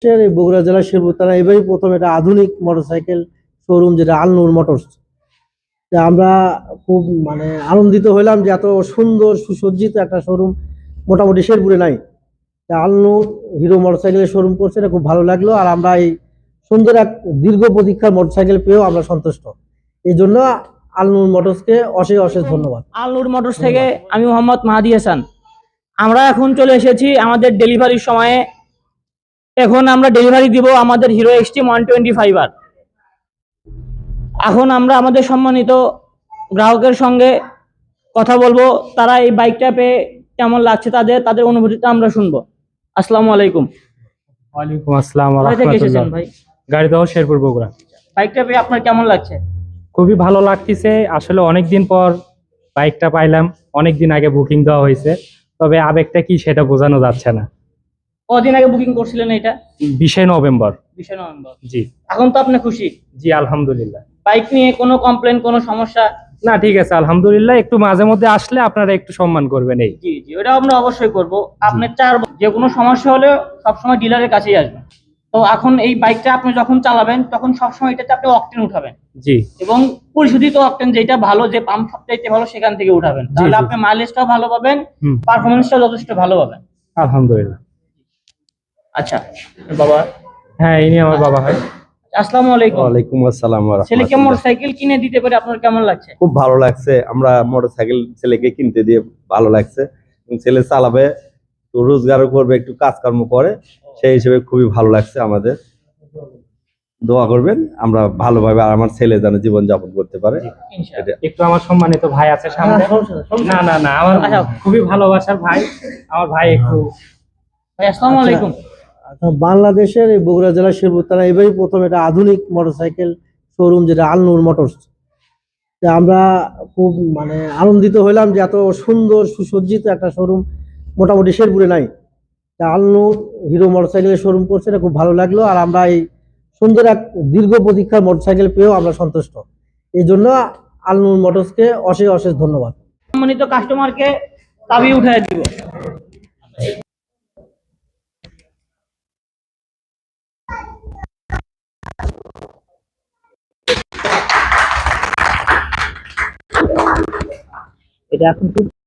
এই বগুড়া জেলার শেরপুর থানা এবারই প্রথম এটা আধুনিক মোটরসাইকেল শোরুম, যেটা আলনুর মোটরস। আমরা খুব আনন্দিত হইলাম যে এত সুন্দর সুসজ্জিত একটা শোরুম মোটামুটি শেরপুরে নাই। আলনুর হিরো মোটরসাইকেলের শোরুম করছে, এটা খুব ভালো লাগলো। আর আমরা এই সুন্দর এক দীর্ঘ প্রতীক্ষার মোটরসাইকেল পেয়েও আমরা সন্তুষ্ট। এই জন্য আলনুর মোটরসকে অশেষ অশেষ ধন্যবাদ। আলনুর মোটরস থেকে আমি মোহাম্মদ মাহাদি হাসান। আমরা এখন চলে এসেছি আমাদের ডেলিভারির সময়ে। এখন আমরা ডেলিভারি দিব আমাদের হিরো এক্সট্রিম 125R। এখন আমরা আমাদের সম্মানিত গ্রাহকের সঙ্গে কথা বলবো, তারা এই বাইকটা পেয়ে কেমন লাগছে, তাদের অনুভূতিটা আমরা শুনবো। আসসালামু আলাইকুম। ওয়ালাইকুম আসসালাম ওয়া কোথা থেকে এসেছেন রাহমাতুল্লাহ। ভাই? গাড়িদহ শেরপুর বগুড়া। বাইকটা পেয়ে আপনার কেমন লাগছে? খুবই ভালো লাগতেছে। আসলে অনেকদিন পর বাইকটা পাইলাম, অনেকদিন আগে বুকিং দেওয়া হয়েছে, তবে আবেগটা কি সেটা বোঝানো যাচ্ছে না। কদিন আগে বুকিং করছিলেন এটা? 20 নভেম্বর। 20 নভেম্বর। জি এখন তো আপনি খুশি? জি আলহামদুলিল্লাহ। বাইক নিয়ে কোনো কমপ্লেন, কোনো সমস্যা? না, ঠিক আছে আলহামদুলিল্লাহ। একটু মাঝে মধ্যে আসলে আপনারা একটু সম্মান করবেন। এই জি জি, ওটা আমরা অবশ্যই করব। আপনি যে কোনো সমস্যা হলে সবসময় ডিলারের কাছেই আসবেন। তো এখন এই বাইকটা আপনি যখন চালাবেন তখন সবসময় এটাতে আপনি অকটেন উঠাবেন। জি। এবং পরিশোধিত অকটেন যেটা ভালো, যে পাম্প সবচাইতে ভালো, সেখান থেকে উঠাবেন। তাহলে আপনি মাইলেজটাও ভালো পাবেন, পারফরম্যান্সটাও যথেষ্ট ভালো পাবেন। আলহামদুলিল্লাহ। আচ্ছা বাবা। হ্যাঁ, ইনি আমার বাবা হয়। আসসালামু আলাইকুম। ওয়ালাইকুম আসসালাম ওয়া ছেলেকে রাহমাতুল্লাহ। মোটরসাইকেল কিনে দিতে পারে আপনার কেমন লাগছে? খুব ভালো লাগছে। আমরা মোটরসাইকেল ছেলেকে কিনতে দিয়ে ভালো লাগছে। ছেলে চালাবে, একটু রোজগারও করবে, একটু কাজকর্ম করে, সেই হিসেবে খুবই ভালো লাগছে আমাদের। দোয়া করবেন আমরা ভালোভাবে আর আমার ছেলে যেন জীবন যাপন করতে পারে। ইনশাআল্লাহ। একটু আমার সম্মানিত ভাই আছে সামনে। না না না, আমার খুবই ভালোবাসার ভাই, আমার ভাই। একটু ভাই আসসালামু আলাইকুম। বাংলাদেশের এই বগুড়া জেলার শেরপুর থানা এবারই প্রথম এটা আধুনিক মোটরসাইকেল শোরুম, যেটা আলনুর মোটরস। আমরা খুব আনন্দিত হইলাম যে এত সুন্দর সুসজ্জিত একটা শোরুম মোটামুটি শেরপুরে নাই। আলনুর হিরো মোটরসাইকেলের শোরুম করছে, এটা খুব ভালো লাগলো। আর আমরা এই সুন্দর এক দীর্ঘ প্রতীক্ষার মোটরসাইকেল পেয়েও আমরা সন্তুষ্ট। এই জন্য আলনুর মোটরসকে অশেষ অশেষ ধন্যবাদ। সম্মানিত কাস্টমারকে চাবি উঠায় দিব। এটা এখন